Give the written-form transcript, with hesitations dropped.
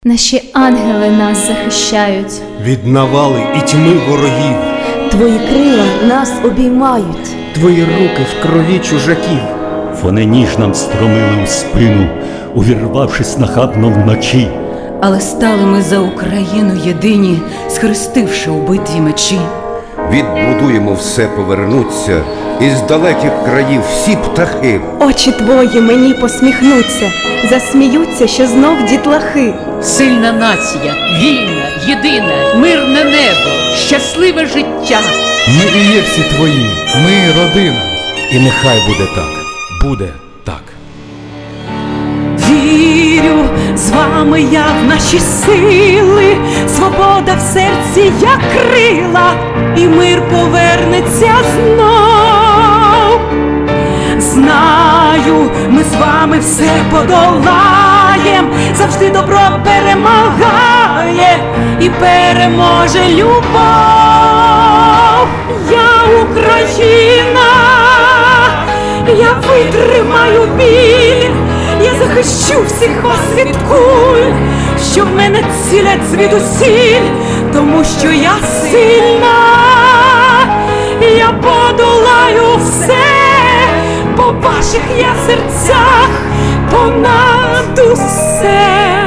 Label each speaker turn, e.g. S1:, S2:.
S1: Наші ангели нас захищають
S2: від навали і тьми ворогів.
S3: Твої крила нас обіймають.
S4: Твої руки в крові чужаків.
S5: Вони ніж нам стромили у спину, увірвавшись нахабно вночі.
S6: Але стали ми за Україну єдині, схрестивши у битві мечі.
S7: Відбудуємо все, повернуться, із далеких країв всі птахи.
S3: Очі твої мені посміхнуться, засміються, що знов дітлахи.
S8: Сильна нація, вільна, єдина, мирне небо, щасливе життя.
S4: Ми і є всі твої, ми родина. І нехай буде так, буде так.
S9: Вірю, з вами я в наші сили, свобода в серці, як крила, і мир повернеться знов. Знаю, ми з вами все подолаєм, завжди добро перемагає і переможе любов. Я Україна, я витримаю біль, я захищу всіх вас від куль, що в мене цілять звідусіль, тому що я сильна, я подолаю все, по ваших я серцях понад усе.